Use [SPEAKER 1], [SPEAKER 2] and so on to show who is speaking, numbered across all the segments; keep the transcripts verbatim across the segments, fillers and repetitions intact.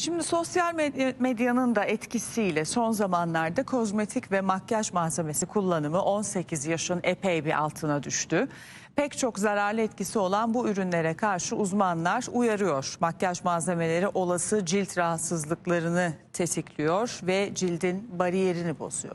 [SPEAKER 1] Şimdi sosyal medya- medyanın da etkisiyle son zamanlarda kozmetik ve makyaj malzemesi kullanımı on sekiz yaşın epey bir altına düştü. Pek çok zararlı etkisi olan bu ürünlere karşı uzmanlar uyarıyor. Makyaj malzemeleri olası cilt rahatsızlıklarını tetikliyor ve cildin bariyerini bozuyor.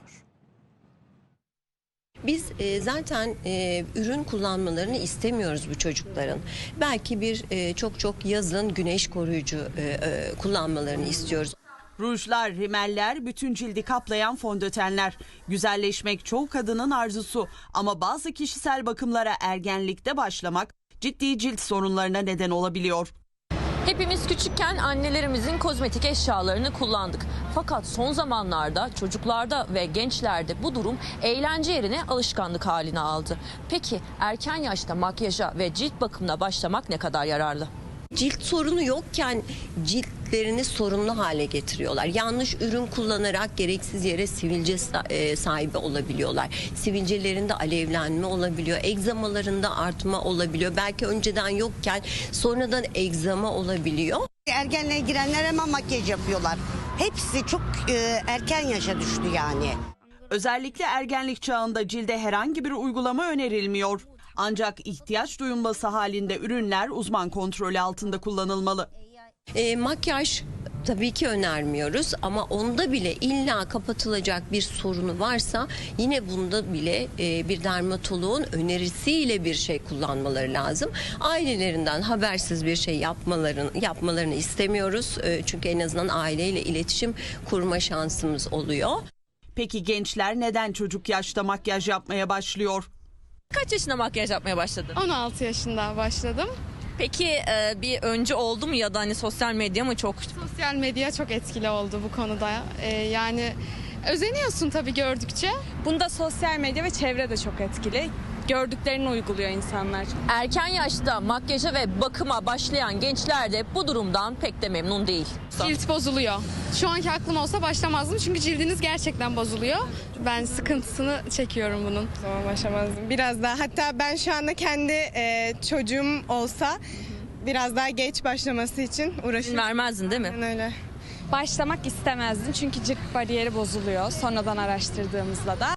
[SPEAKER 2] Biz e, zaten e, ürün kullanmalarını istemiyoruz bu çocukların. Belki bir e, çok çok yazın güneş koruyucu e, e, kullanmalarını istiyoruz.
[SPEAKER 3] Rujlar, rimeller, bütün cildi kaplayan fondötenler. Güzelleşmek çoğu kadının arzusu ama bazı kişisel bakımlara ergenlikte başlamak ciddi cilt sorunlarına neden olabiliyor.
[SPEAKER 4] Hepimiz küçükken annelerimizin kozmetik eşyalarını kullandık. Fakat son zamanlarda çocuklarda ve gençlerde bu durum eğlence yerine alışkanlık haline aldı. Peki erken yaşta makyaja ve cilt bakımına başlamak ne kadar yararlı?
[SPEAKER 2] Cilt sorunu yokken ciltlerini sorunlu hale getiriyorlar. Yanlış ürün kullanarak gereksiz yere sivilce sahibi olabiliyorlar. Sivilcelerinde alevlenme olabiliyor. Egzamalarında artma olabiliyor. Belki önceden yokken sonradan egzama olabiliyor.
[SPEAKER 5] Ergenliğe girenler hemen makyaj yapıyorlar. Hepsi çok e, erken yaşa düştü yani.
[SPEAKER 3] Özellikle ergenlik çağında cilde herhangi bir uygulama önerilmiyor. Ancak ihtiyaç duyulması halinde ürünler uzman kontrolü altında kullanılmalı.
[SPEAKER 2] E, makyaj tabii ki önermiyoruz ama onda bile illa kapatılacak bir sorunu varsa yine bunda bile e, bir dermatoloğun önerisiyle bir şey kullanmaları lazım. Ailelerinden habersiz bir şey yapmalarını yapmalarını istemiyoruz. E, çünkü en azından aileyle iletişim kurma şansımız oluyor.
[SPEAKER 3] Peki gençler neden çocuk yaşta makyaj yapmaya başlıyor?
[SPEAKER 4] Kaç yaşında makyaj yapmaya başladın?
[SPEAKER 6] on altı yaşında başladım.
[SPEAKER 4] Peki e, bir önce oldu mu ya da hani sosyal medya mı çok?
[SPEAKER 6] Sosyal medya çok etkili oldu bu konuda. Ee, yani özeniyorsun tabii gördükçe.
[SPEAKER 7] Bunda sosyal medya ve çevre de çok etkili. Gördüklerini uyguluyor insanlar.
[SPEAKER 4] Erken yaşta makyaja ve bakıma başlayan gençler de bu durumdan pek de memnun değil.
[SPEAKER 6] Cilt bozuluyor. Şu anki aklım olsa başlamazdım çünkü cildiniz gerçekten bozuluyor. Ben sıkıntısını çekiyorum bunun.
[SPEAKER 7] Zaman başlamazdım. Biraz daha, hatta ben şu anda kendi e, çocuğum olsa biraz daha geç başlaması için uğraşıyorum.
[SPEAKER 4] Vermezdin değil mi?
[SPEAKER 7] Aynen öyle.
[SPEAKER 8] Başlamak istemezdim çünkü cilt bariyeri bozuluyor sonradan araştırdığımızda da.